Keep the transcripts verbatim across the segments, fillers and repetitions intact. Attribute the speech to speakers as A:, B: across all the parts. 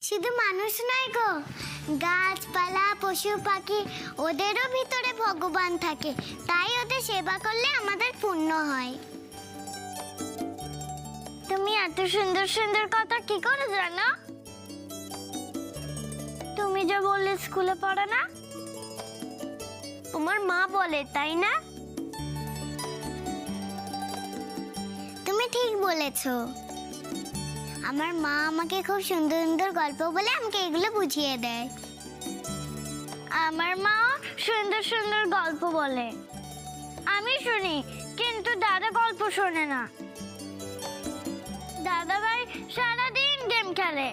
A: শুধু মানুষ নয় গো, গাছপালা পশু পাখি ওদেরও ভিতরে ভগবান থাকে, তাই ওদের সেবা করলে আমাদের পুণ্য হয়। তুমি এত সুন্দর সুন্দর কথা কি করে জানো? তুমি যে বললে স্কুলে পড়ো না, তোমার মা বলে, তাই না? তুমি ঠিক বলেছো। আমার মা আমাকে খুব সুন্দর সুন্দর গল্প বলে আমাকে এগুলো বুঝিয়ে দেয়। আমার মা সুন্দর সুন্দর গল্প বলে, আমি শুনি, কিন্তু দাদা গল্প শোনে না। দাদা ভাই সারাদিন গেম খেলে।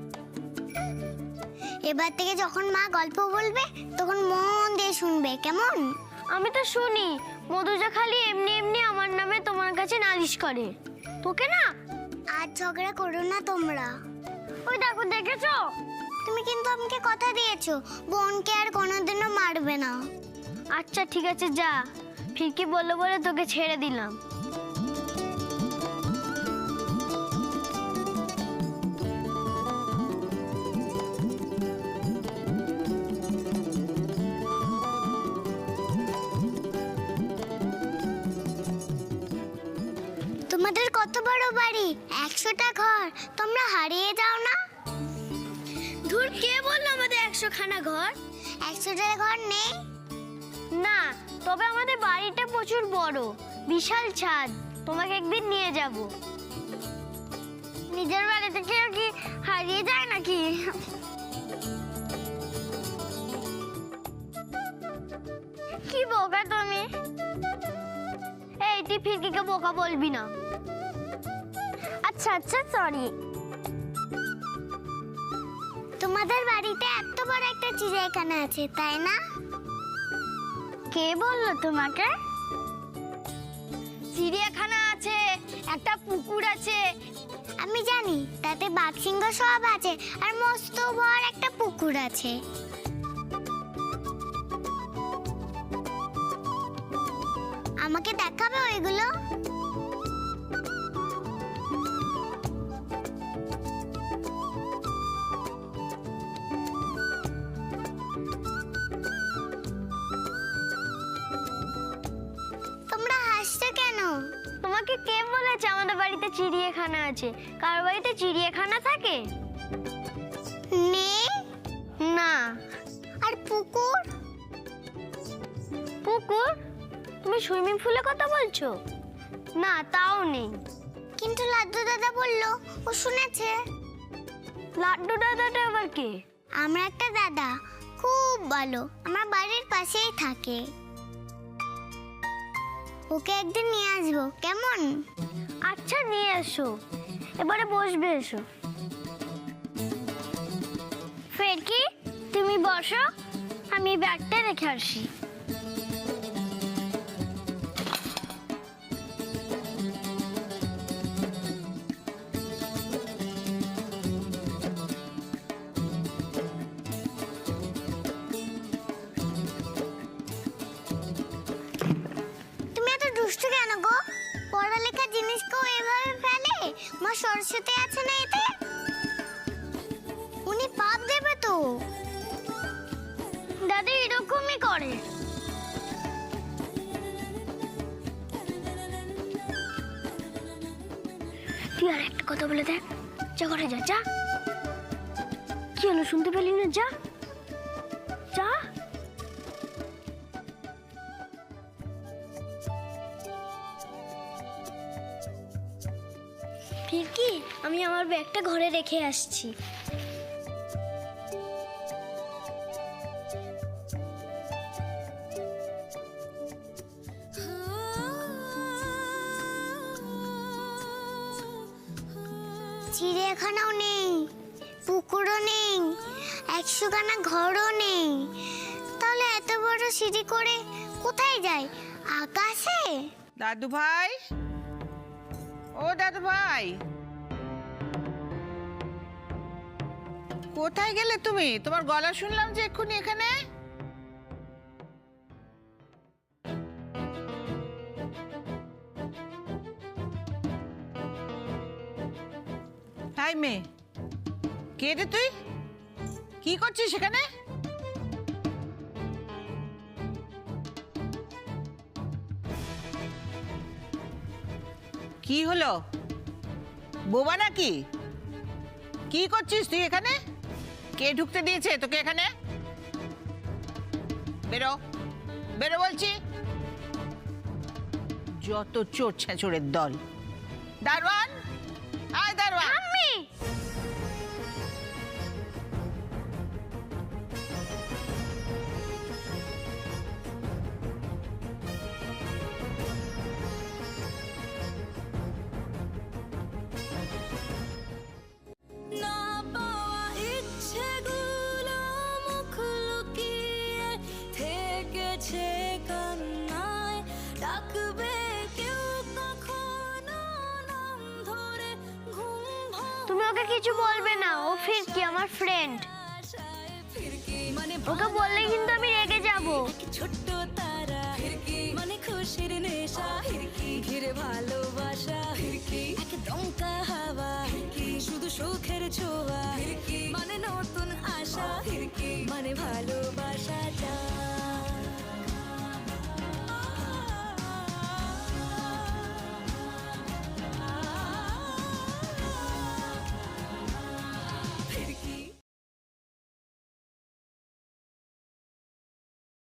A: এবার থেকে যখন মা গল্প বলবে তখন মন দিয়ে শুনবে, কেমন? আমি তো শুনি, মধুজা খালি এমনি এমনি আমার নামে তোমার কাছে নালিশ করে। তোকে না, আর ঝগড়া করো না তোমরা। ওই দেখো, দেখেছো? তুমি কিন্তু আমাকে কথা দিয়েছো বোনকে আর কোনোদিনও মারবে না। আচ্ছা ঠিক আছে, যা। ফিরকি বললো বলে তোকে ছেড়ে দিলাম। তোমাদের কত বড় বাড়ি, একশোটা ঘর, তোমরা হারিয়ে যাও না? ধুর, কে বললো আমাদের একশো খানা ঘর? একশোটা ঘর নেই না, তবে আমাদের বাড়িটা প্রচুর বড়, বিশাল ছাদ। তোমাকে একদিন নিয়ে যাব। নিজের বাড়ি থেকে কি হারিয়ে যায় নাকি? কি বোকা তুমি! এই, তুই ফিরকিকে বোকা বলবি না। আচ্ছা আচ্ছা, সরি। তোমাদের বাড়িতে এত বড় একটা চিড়িয়াখানা আছে, তাই না? কে বললো তোমাকে? চিড়িয়াখানা আছে, একটা পুকুর আছে। আমি জানি, তাতে বাঘ সিংহ সব আছে, আর মস্ত বড় একটা পুকুর আছে। আমাকে দেখাবে ওইগুলো? তোমরা হাসছো কেন? তোমাকে কে বলেছে আমাদের বাড়িতে চিড়িয়াখানা আছে? কার বাড়িতে চিড়িয়াখানা থাকে? নেই না। আর পুকুর? পুকুর? তুমি সুইমিং পুলের কথা বলছো? না, তাও নেই। কিন্তু লাড্ডু দাদা বললো ও শুনেছে। লাড্ডু দাদাটা আবার কে? আমরা একটা দাদা, খুব ভালো, আমার বাড়ির পাশেই থাকে। ওকে একদিন নিয়ে আসবো, কেমন? আচ্ছা, নিয়ে এসো। এবারে বসবে, এসো। ফিরকি, তুমি বসো, আমি ব্যাগটা রেখে আসি। দুষ্টু কেন গো? পড়ালেখার জিনিসকেও এভাবে ফেলে? মা সরস্বতী আছে না এতে? উনি পাপ দেবে তো। দাদি এরকমই করে। তুই আর একটা কথা বলে দেখ। যা ঘরে যা, যা। কি হলো, শুনতে পেলি না? যা যা। ফিরকি, আমি আমার ব্যাগটা ঘরে রেখে আসছি। চিড়িয়াখানাও নেই, পুকুরও নেই, একশোখানা ঘরও নেই, তাহলে এত বড় সিঁড়ি করে কোথায় যায়? আকাশে?
B: দাদু ভাই, ও দাদু ভাই, কোথায় গেলে তুমি? তোমার গলা শুনলাম যে এক্ষুনি এখানে। হাই মেয়ে, কে রে তুই? কি করছিস সেখানে? কি হলো, বোবা নাকি? কি করছিস তুই এখানে? কে ঢুকতে দিয়েছে তোকে এখানে? বেরো, বেরো বলছি। যত চোর ছেঁচড়ের দল। দারোয়ান, আয় দারোয়ান।
A: আম্মি
C: না পাওয়া ইচ্ছেগুলো মুখ লুকিয়ে থেকেছে কান্নায়, ডাকবে কেউ কখনো নাম ধরে ঘুম
A: তুমি ওকে কিছু বলবে না, ও ফিরকি আমার ফ্রেন্ড।
C: ভাষায় ফিরকি মানে
A: ওকে বললে কিন্তু আমি রেগে যাব।
C: ছোট্ট তারা ফিরকি মানে খুশির নেশা ফিরকি ঘিরে ভালোবাসা ফিরকি এক দমকা হাওয়া ফিরকি শুধু সুখের ছোঁয়া ফিরকি মানে নতুন আশা ফিরকি মানে ভালোবাসা চাই।